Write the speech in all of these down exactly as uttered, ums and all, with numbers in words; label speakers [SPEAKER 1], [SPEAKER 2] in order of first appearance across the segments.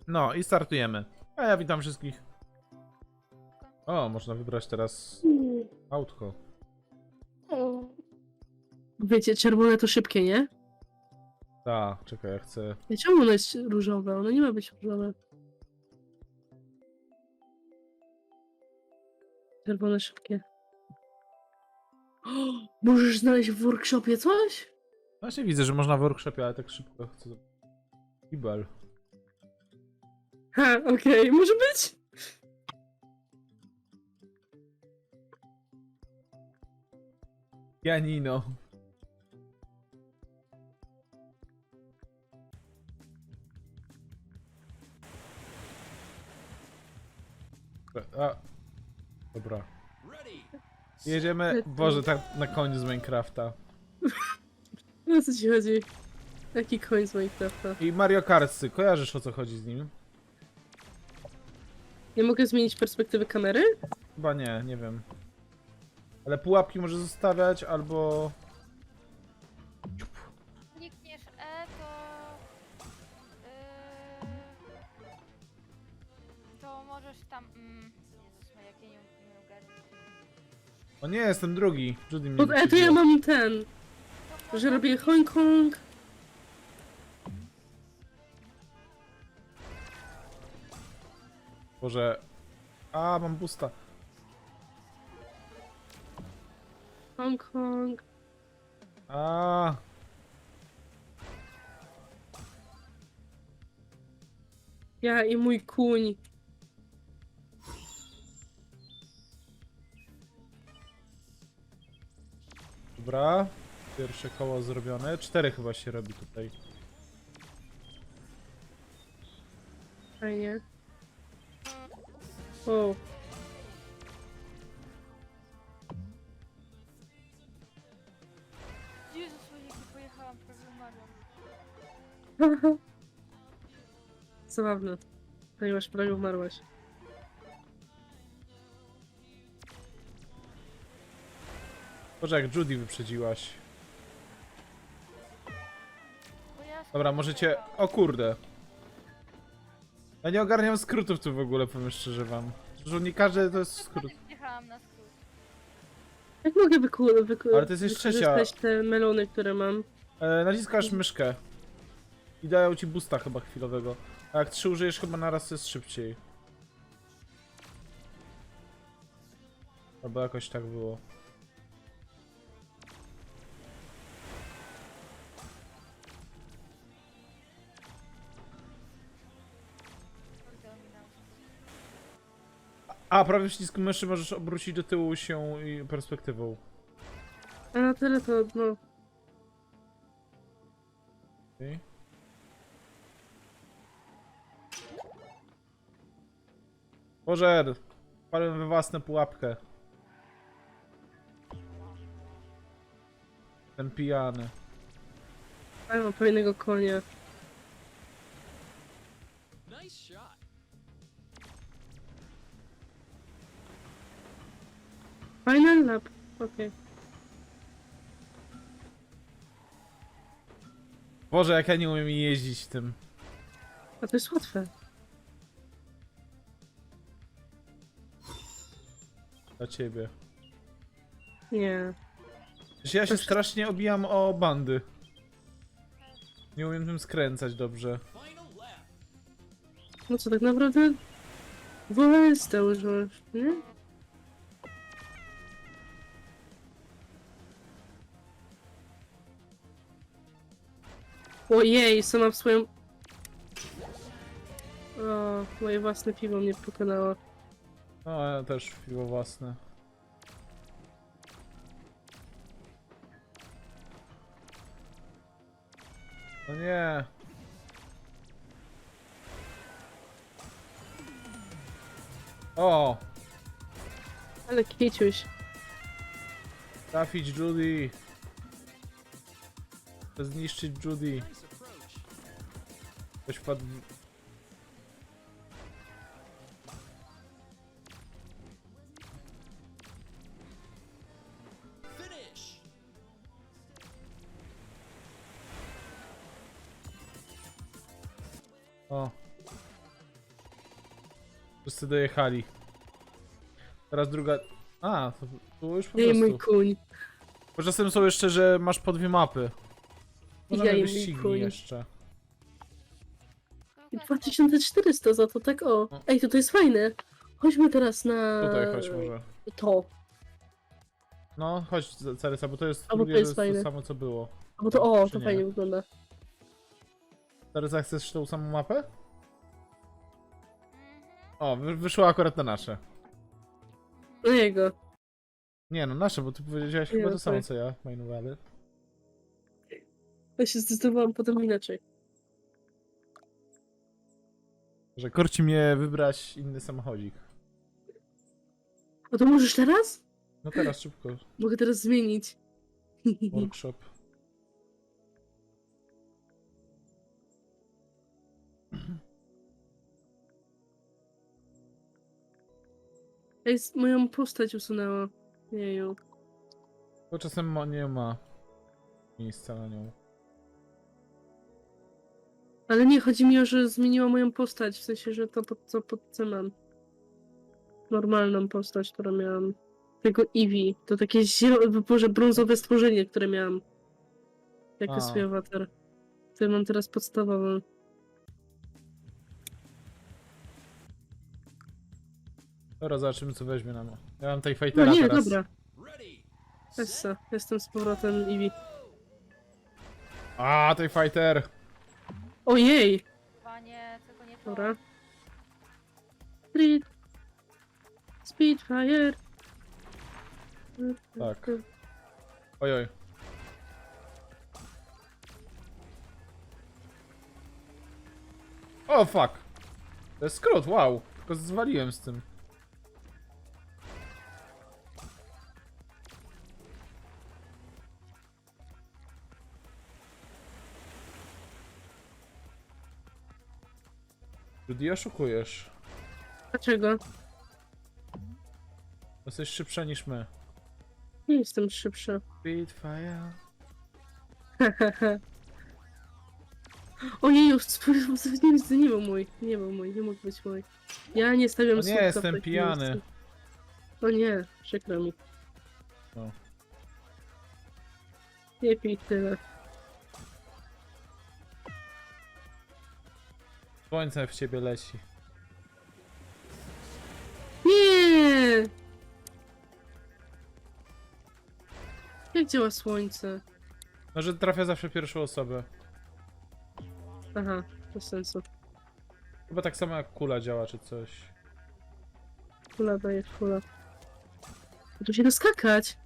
[SPEAKER 1] No i startujemy. A ja witam wszystkich. O, można wybrać teraz autko.
[SPEAKER 2] Wiecie, czerwone to szybkie, nie?
[SPEAKER 1] Tak, czekaj, ja chcę...
[SPEAKER 2] Ja czemu ono jest różowe? Ono nie ma być różowe. Czerwone szybkie. O, możesz znaleźć w workshopie coś?
[SPEAKER 1] Właśnie widzę, że można w workshopie, ale tak szybko chcę... Kibel.
[SPEAKER 2] Ha, okej, może być.
[SPEAKER 1] Pianino. A, dobra. Jedziemy, Boże, tak na koniec z Minecrafta.
[SPEAKER 2] No o co ci chodzi? Jaki koń z Minecrafta?
[SPEAKER 1] I Mario Kartsy, kojarzysz o co chodzi z nim?
[SPEAKER 2] Nie mogę zmienić perspektywy kamery?
[SPEAKER 1] Chyba nie, nie wiem. Ale pułapki może zostawiać, albo...
[SPEAKER 3] Klikniesz E, to... Yy, to możesz tam... Mm, Jezus, jak ja nie, nie ogarniam.
[SPEAKER 1] O nie, jestem drugi. Judy mnie
[SPEAKER 2] Pod E to ja
[SPEAKER 1] wyprzedziła.
[SPEAKER 2] mam ten,
[SPEAKER 3] To
[SPEAKER 2] że
[SPEAKER 3] można-
[SPEAKER 2] robię Hong Kong.
[SPEAKER 1] Boże... A, mam busta.
[SPEAKER 2] Hong Kong.
[SPEAKER 1] A.
[SPEAKER 2] Ja i mój kuń.
[SPEAKER 1] Dobra. Pierwsze koło zrobione. Cztery chyba się robi tutaj.
[SPEAKER 2] Fajnie. O.
[SPEAKER 3] Jezus, jak pojechałam, prawie umarłam.
[SPEAKER 2] Zabawne. Ponieważ prawie umarłaś.
[SPEAKER 1] Boże, jak Judy wyprzedziłaś.
[SPEAKER 3] Bo ja
[SPEAKER 1] Dobra, możecie... O kurde. Ja nie ogarniam skrótów tu w ogóle, powiem szczerze wam. Że nie każdy to jest skrót.
[SPEAKER 3] Jechałam na skrót.
[SPEAKER 2] Jak mogę wyku wyku
[SPEAKER 1] Ale to jest jeszcze
[SPEAKER 2] wykorzystać te melony, które mam?
[SPEAKER 1] E, naciskasz myszkę. I dają ci boosta chyba chwilowego. A jak trzy użyjesz chyba naraz, to jest szybciej. Albo jakoś tak było.
[SPEAKER 3] Kurde, ominęłam.
[SPEAKER 1] A, prawy przycisk myszy możesz obrócić do tyłu się i perspektywą.
[SPEAKER 2] A na tyle to, no...
[SPEAKER 1] Okay. Boże, wpadłem we własną pułapkę. Ten pijany.
[SPEAKER 2] A mam fajnego konia.
[SPEAKER 4] Nice shot.
[SPEAKER 2] Final lap. Okej.
[SPEAKER 1] Boże, jak ja nie umiem jeździć tym.
[SPEAKER 2] A to jest łatwe.
[SPEAKER 1] Dla ciebie.
[SPEAKER 2] Nie.
[SPEAKER 1] Przecież ja się
[SPEAKER 2] Też-
[SPEAKER 1] strasznie obijam o bandy. Nie umiem tym skręcać dobrze.
[SPEAKER 4] Final lap.
[SPEAKER 2] No co, tak naprawdę... W O S to używasz, nie? Ojej, sama w swoją... O, moje własne piwo mnie pokonało.
[SPEAKER 1] No, ja też piwo własne. No nie. O!
[SPEAKER 2] Ale kiciuś.
[SPEAKER 1] Trafić Judy. Chcę zniszczyć Judy.
[SPEAKER 4] Nice approach.
[SPEAKER 1] Ktoś wpadł w...
[SPEAKER 4] Finish.
[SPEAKER 1] O. Wszyscy dojechali. Teraz druga... A, to było już po
[SPEAKER 2] Jej mój
[SPEAKER 1] prostu.
[SPEAKER 2] kuń.
[SPEAKER 1] Bo czasem są jeszcze, że masz po dwie mapy. Możemy
[SPEAKER 2] Jej mój
[SPEAKER 1] wyścigi
[SPEAKER 2] kuń.
[SPEAKER 1] jeszcze.
[SPEAKER 2] I dwa tysiące czterysta za to, tak o.
[SPEAKER 1] No.
[SPEAKER 2] Ej, to to jest fajne. Chodźmy teraz na...
[SPEAKER 1] Tutaj chodź może.
[SPEAKER 2] To.
[SPEAKER 1] No, chodź Caryca, bo to jest,
[SPEAKER 2] A, bo to
[SPEAKER 1] drugie,
[SPEAKER 2] jest
[SPEAKER 1] to, jest to
[SPEAKER 2] fajne.
[SPEAKER 1] samo co było.
[SPEAKER 2] A bo to o,
[SPEAKER 1] Czy
[SPEAKER 2] to
[SPEAKER 1] nie?
[SPEAKER 2] fajnie wygląda.
[SPEAKER 1] Caryca, chcesz tą samą mapę?
[SPEAKER 3] Mhm.
[SPEAKER 1] O, wy, wyszło akurat na nasze.
[SPEAKER 2] No jego.
[SPEAKER 1] Nie no, nasze, bo ty powiedziałeś
[SPEAKER 2] Nie,
[SPEAKER 1] chyba to
[SPEAKER 2] tak.
[SPEAKER 1] samo co ja, Main Valley.
[SPEAKER 2] Ja się zdecydowałam potem inaczej.
[SPEAKER 1] Że korci mnie wybrać inny samochodzik.
[SPEAKER 2] A to możesz teraz?
[SPEAKER 1] No teraz szybko,
[SPEAKER 2] Mogę teraz zmienić.
[SPEAKER 1] workshop.
[SPEAKER 2] Ej, z- moją postać usunęła. Jeju.
[SPEAKER 1] Bo czasem ma, nie ma miejsca na nią.
[SPEAKER 2] Ale nie, chodzi mi o, że zmieniła moją postać. W sensie, że to pod co pod co mam. Normalną postać, którą miałam. Tego Eevee. To takie zielone, boże, brązowe stworzenie, które miałam. Jako
[SPEAKER 1] A.
[SPEAKER 2] swój awatar. To mam teraz podstawową.
[SPEAKER 1] Dobra, zobaczymy co weźmie nam. Ja mam tej
[SPEAKER 2] No
[SPEAKER 1] fightera
[SPEAKER 2] nie,
[SPEAKER 1] teraz.
[SPEAKER 2] dobra.
[SPEAKER 4] Ready.
[SPEAKER 2] Essa, jestem z powrotem Eevee.
[SPEAKER 1] A, tej fighter!
[SPEAKER 2] Ojej!
[SPEAKER 3] Panie, tylko nie to.
[SPEAKER 2] Dobra. Street. Speedfire.
[SPEAKER 1] Tak. Ojoj. O, fuck! To jest skrót, wow! Tylko zwaliłem z tym. Judy, oszukujesz.
[SPEAKER 2] Dlaczego?
[SPEAKER 1] Jesteś szybsza niż my.
[SPEAKER 2] Nie jestem szybsza.
[SPEAKER 1] Speedfire.
[SPEAKER 2] Ojeju, nie, nie był mój. Nie był mój, nie mógł być mój. Ja nie stawiam
[SPEAKER 1] O nie,
[SPEAKER 2] słupka w
[SPEAKER 1] jestem
[SPEAKER 2] takim
[SPEAKER 1] pijany.
[SPEAKER 2] miejscu. O nie, przykro mi.
[SPEAKER 1] No.
[SPEAKER 2] Nie pij tyle.
[SPEAKER 1] Słońce w ciebie leci.
[SPEAKER 2] Nie! Jak działa słońce?
[SPEAKER 1] No, że trafia zawsze pierwszą osobę.
[SPEAKER 2] Aha, bez sensu.
[SPEAKER 1] Chyba tak samo jak kula działa, czy coś.
[SPEAKER 2] Kula daje kula. Tu się doskakać.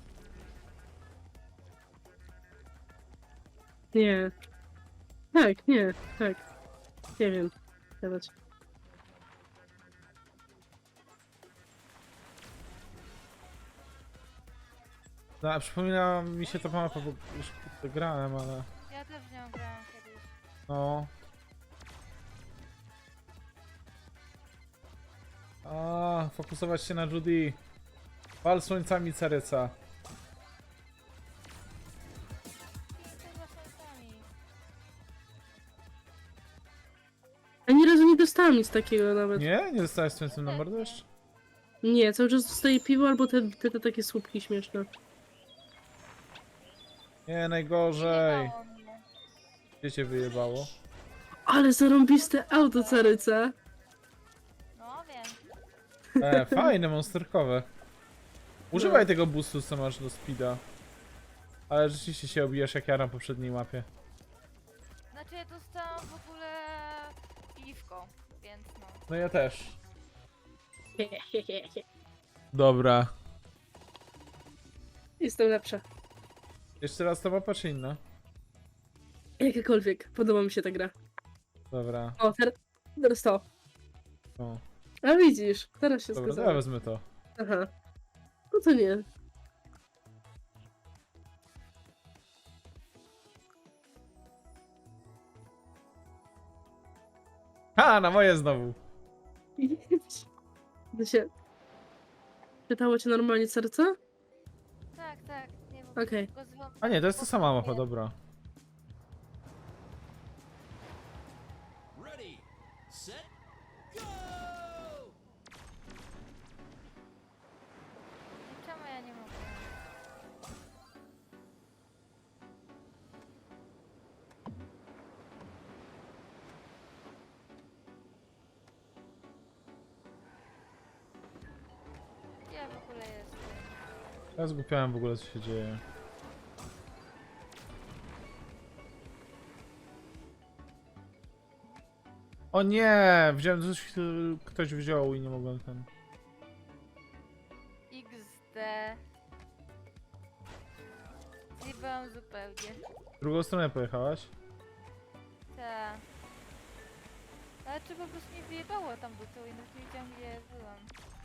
[SPEAKER 2] Nie. Tak, nie, tak. Nie wiem. Dawać.
[SPEAKER 1] No, a przypomina mi się ta mapa, bo już kurde grałem, ale...
[SPEAKER 3] Ja też w nią grałem kiedyś.
[SPEAKER 1] No... A, fokusować się na Judy. Wal słońcami Caryca.
[SPEAKER 3] I to za sami.
[SPEAKER 2] Ani razu nie dostałam nic takiego nawet. Nie,
[SPEAKER 1] Nie? Nie dostałeś słońcem na mordę jeszcze?
[SPEAKER 2] cały czas dostaję piwo albo te, te, te takie słupki śmieszne.
[SPEAKER 1] Nie, najgorzej.
[SPEAKER 3] Wyjebało mnie.
[SPEAKER 1] Gdzie cię wyjebało?
[SPEAKER 2] Ale zarąbiste auto, Caryca.
[SPEAKER 3] No wiem.
[SPEAKER 1] E, fajne, monsterkowe. Używaj tego boostu, co masz do speeda. Ale rzeczywiście się obijasz jak ja na poprzedniej mapie.
[SPEAKER 3] Znaczy ja dostałam w ogóle piwko, więc no.
[SPEAKER 1] No ja też. Dobra.
[SPEAKER 2] Jestem lepsza.
[SPEAKER 1] Jeszcze raz ta mapa czy inna?
[SPEAKER 2] Jakakolwiek. Podoba mi się ta gra.
[SPEAKER 1] Dobra.
[SPEAKER 2] O, ter teraz to.
[SPEAKER 1] O.
[SPEAKER 2] A widzisz, teraz się
[SPEAKER 1] Dobra, to ja
[SPEAKER 2] zgadzam.
[SPEAKER 1] wezmę to.
[SPEAKER 2] Aha. No to nie.
[SPEAKER 1] Ha, na moje znowu.
[SPEAKER 2] To się... Pytało cię normalnie serce?
[SPEAKER 3] Tak, tak. Nie wiem.
[SPEAKER 2] Okej.
[SPEAKER 3] Tylko zwą-
[SPEAKER 1] A nie, to jest ta sama mapa,
[SPEAKER 3] Nie.
[SPEAKER 1] dobra.
[SPEAKER 4] Ready. Set. Go.
[SPEAKER 3] nie mogę. Gdzie ja w ogóle jestem?
[SPEAKER 1] Ja zgłupiałem w ogóle, co się dzieje. O nie! Wziąłem coś, który ktoś wziął i nie mogłem ten...
[SPEAKER 3] iks de. Zjebałam zupełnie.
[SPEAKER 1] W drugą stronę pojechałaś?
[SPEAKER 3] Tak. Ale czy po prostu mnie wyjebało tam do tyłu i nawet nie wiedziałam gdzie byłam.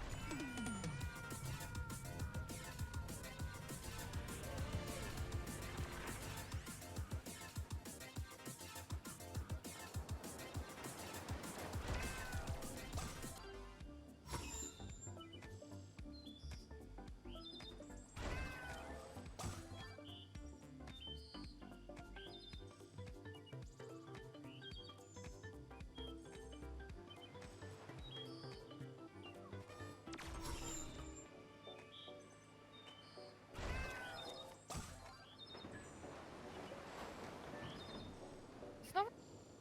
[SPEAKER 3] Znowu?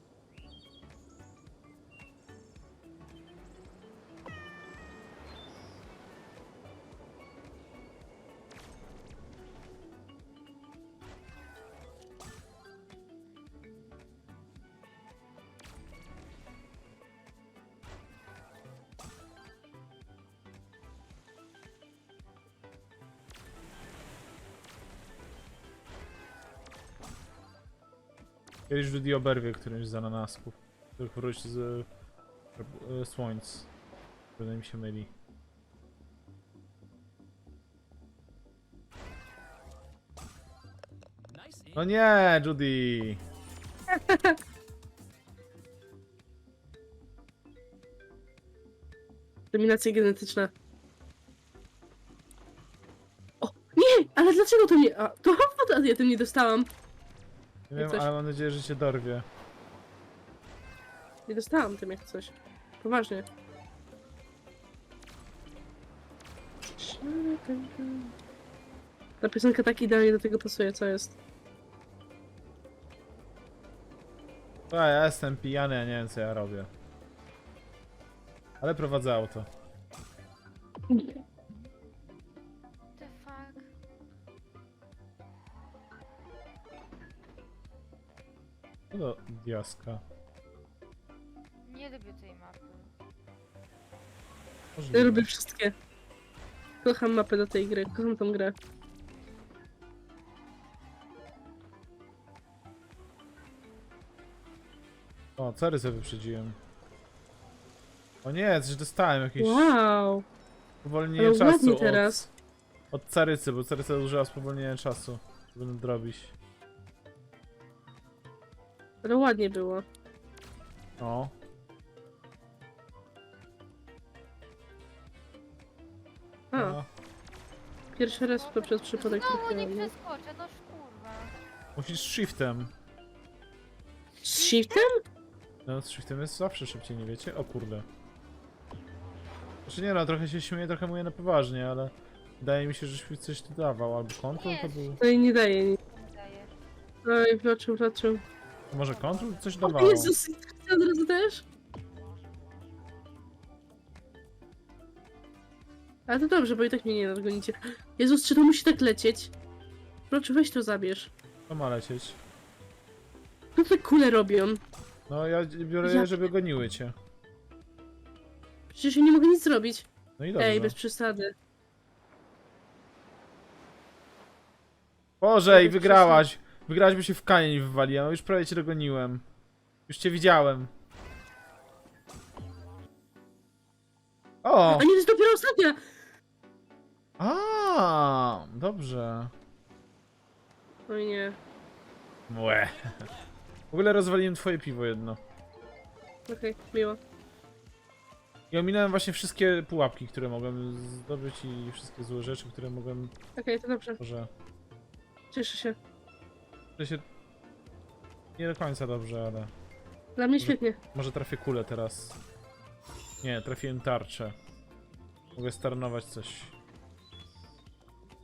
[SPEAKER 1] Kiedyś Judy oberwie którymś z ananasków, których wróci z e, słońc. Wydaje mi się myli.
[SPEAKER 4] Nice
[SPEAKER 1] No
[SPEAKER 4] in.
[SPEAKER 1] nie, Judy!
[SPEAKER 2] Dominacja genetyczna. O, nie! Ale dlaczego to nie... A, to a ja tym nie dostałam.
[SPEAKER 1] Nie wiem,
[SPEAKER 2] coś.
[SPEAKER 1] ale mam nadzieję, że cię dorwie.
[SPEAKER 2] Nie dostałam tym jak coś. Poważnie. Ta piosenka tak idealnie do tego pasuje, co jest.
[SPEAKER 1] A ja jestem pijany, ja nie wiem co ja robię. Ale prowadzę auto.
[SPEAKER 3] The fuck?
[SPEAKER 1] No do diaska.
[SPEAKER 3] Nie lubię tej mapy.
[SPEAKER 2] Ja
[SPEAKER 1] Możliwe.
[SPEAKER 2] lubię wszystkie. Kocham mapę do tej gry, kocham tą grę.
[SPEAKER 1] O, cary sobie wyprzedziłem. O nie, coś dostałem, jakieś
[SPEAKER 2] Wow!
[SPEAKER 1] spowolnienie
[SPEAKER 2] Ale
[SPEAKER 1] czasu
[SPEAKER 2] ładnie
[SPEAKER 1] od,
[SPEAKER 2] teraz.
[SPEAKER 1] od carycy, bo caryca użyła spowolnienia czasu, żeby nadrobić.
[SPEAKER 2] Ale ładnie było.
[SPEAKER 1] O,
[SPEAKER 2] A,
[SPEAKER 1] no.
[SPEAKER 2] pierwszy raz to przez przypadek
[SPEAKER 3] Znowu nie
[SPEAKER 2] trafiłam. no.
[SPEAKER 3] przeskoczę, no kurwa.
[SPEAKER 1] Musisz shiftem.
[SPEAKER 2] Z shiftem?
[SPEAKER 1] No, z shiftem jest zawsze szybciej, nie wiecie? O kurde. Znaczy nie no, trochę się śmieję, trochę mówię na poważnie, ale wydaje mi się, że shift coś tu dawał, albo control to
[SPEAKER 3] Nie,
[SPEAKER 1] był...
[SPEAKER 2] No i nie daje nic.
[SPEAKER 3] Nie daje.
[SPEAKER 2] Oj, wloczył, wloczył.
[SPEAKER 1] Może control coś
[SPEAKER 2] O
[SPEAKER 1] dawało?
[SPEAKER 2] Jezus, ty od razu też? Ale to dobrze, bo i tak mnie nie nadgonicie. Jezus, czy to musi tak lecieć? Proszę, weź to zabierz.
[SPEAKER 1] To ma lecieć.
[SPEAKER 2] Co te kule robią?
[SPEAKER 1] No ja biorę
[SPEAKER 2] Ja-
[SPEAKER 1] je, żeby goniły cię.
[SPEAKER 2] Przecież ja nie mogę nic zrobić.
[SPEAKER 1] No i dobrze.
[SPEAKER 2] Ej, bez przesady.
[SPEAKER 1] Boże, i
[SPEAKER 2] bez
[SPEAKER 1] wygrałaś! Wygrałaś, bo się w kamień wywaliłem, a już prawie cię dogoniłem. Już cię widziałem. O!
[SPEAKER 2] A nie, to jest dopiero ostatnia!
[SPEAKER 1] A, dobrze.
[SPEAKER 2] Oj nie.
[SPEAKER 1] Młe. W ogóle rozwaliłem twoje piwo jedno.
[SPEAKER 2] Okej, miło.
[SPEAKER 1] I ominąłem właśnie wszystkie pułapki, które mogłem zdobyć i wszystkie złe rzeczy, które mogłem...
[SPEAKER 2] Okej, to dobrze.
[SPEAKER 1] Może...
[SPEAKER 2] Cieszę się.
[SPEAKER 1] To się... Nie do końca dobrze, ale...
[SPEAKER 2] Dla mnie świetnie.
[SPEAKER 1] Może trafię kulę teraz. Nie, trafiłem tarczę. Mogę starnować coś.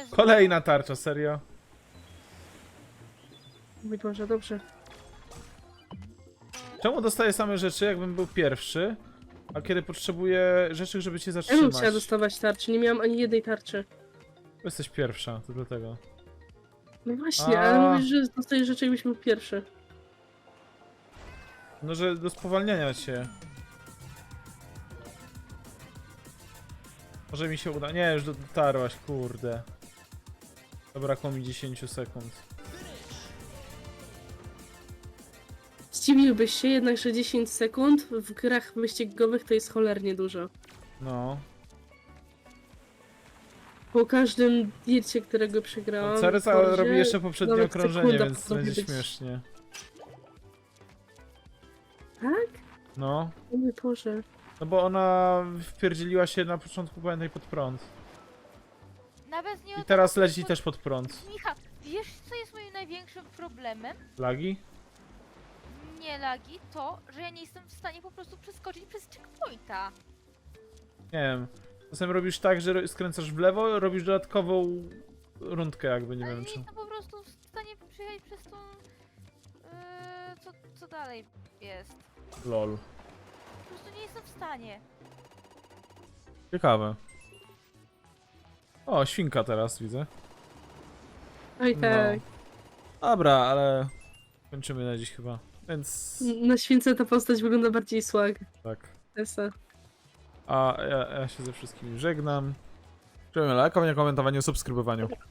[SPEAKER 3] bez...
[SPEAKER 1] Kolejna tarcza, serio?
[SPEAKER 2] Mój Boże, dobrze.
[SPEAKER 1] Czemu dostaję same rzeczy, jakbym był pierwszy, a kiedy potrzebuję rzeczy, żeby cię
[SPEAKER 2] Ja bym
[SPEAKER 1] zatrzymać?
[SPEAKER 2] chciała dostawać tarczy, nie miałam ani jednej tarczy.
[SPEAKER 1] Bo jesteś pierwsza, to dlatego.
[SPEAKER 2] No właśnie,
[SPEAKER 1] A.
[SPEAKER 2] ale mówisz, że dostajesz rzeczy, jakbyś był pierwszy.
[SPEAKER 1] No, że do spowalniania cię. Może mi się uda. Nie, już dotarłaś, kurde. Zabrakło mi dziesięć sekund.
[SPEAKER 2] Zdziwiłbyś się jednak, że dziesięć sekund w grach wyścigowych to jest cholernie dużo.
[SPEAKER 1] No.
[SPEAKER 2] Po każdym dircie, którego przegrałam...
[SPEAKER 1] Ceryca
[SPEAKER 2] w Forzie,
[SPEAKER 1] robi jeszcze poprzednie
[SPEAKER 2] nawet
[SPEAKER 1] okrążenie,
[SPEAKER 2] sekunda
[SPEAKER 1] więc
[SPEAKER 2] potrafi
[SPEAKER 1] będzie
[SPEAKER 2] być-
[SPEAKER 1] śmiesznie.
[SPEAKER 2] Tak?
[SPEAKER 1] No.
[SPEAKER 2] O mój Boże.
[SPEAKER 1] No bo ona wpierdzieliła się na początku, pamiętaj, pod prąd.
[SPEAKER 3] Nawet nie o
[SPEAKER 1] I
[SPEAKER 3] to,
[SPEAKER 1] teraz
[SPEAKER 3] bo-
[SPEAKER 1] leci
[SPEAKER 3] bo-
[SPEAKER 1] też pod prąd.
[SPEAKER 3] Michał, wiesz co jest moim największym problemem?
[SPEAKER 1] Lagi?
[SPEAKER 3] Nie lagi, to, że ja nie jestem w stanie po prostu przeskoczyć przez checkpointa.
[SPEAKER 1] Nie wiem. Czasem robisz tak, że ro- skręcasz w lewo, robisz dodatkową rundkę jakby, nie
[SPEAKER 3] Ale
[SPEAKER 1] wiem
[SPEAKER 3] nie
[SPEAKER 1] czy...
[SPEAKER 3] jestem po prostu w stanie przyjechać przez tą... Yy, co, co dalej jest?
[SPEAKER 1] Lol.
[SPEAKER 3] Po prostu nie jestem w stanie.
[SPEAKER 1] Ciekawe. O, świnka teraz widzę.
[SPEAKER 2] Oj tak.
[SPEAKER 1] No. Dobra, ale kończymy na dziś chyba. Więc
[SPEAKER 2] Na śwince ta postać wygląda bardziej swag.
[SPEAKER 1] tak.
[SPEAKER 2] Esa.
[SPEAKER 1] A ja, ja się ze wszystkimi żegnam. Dziękujemy lajkowanie, komentowaniu, subskrybowaniu.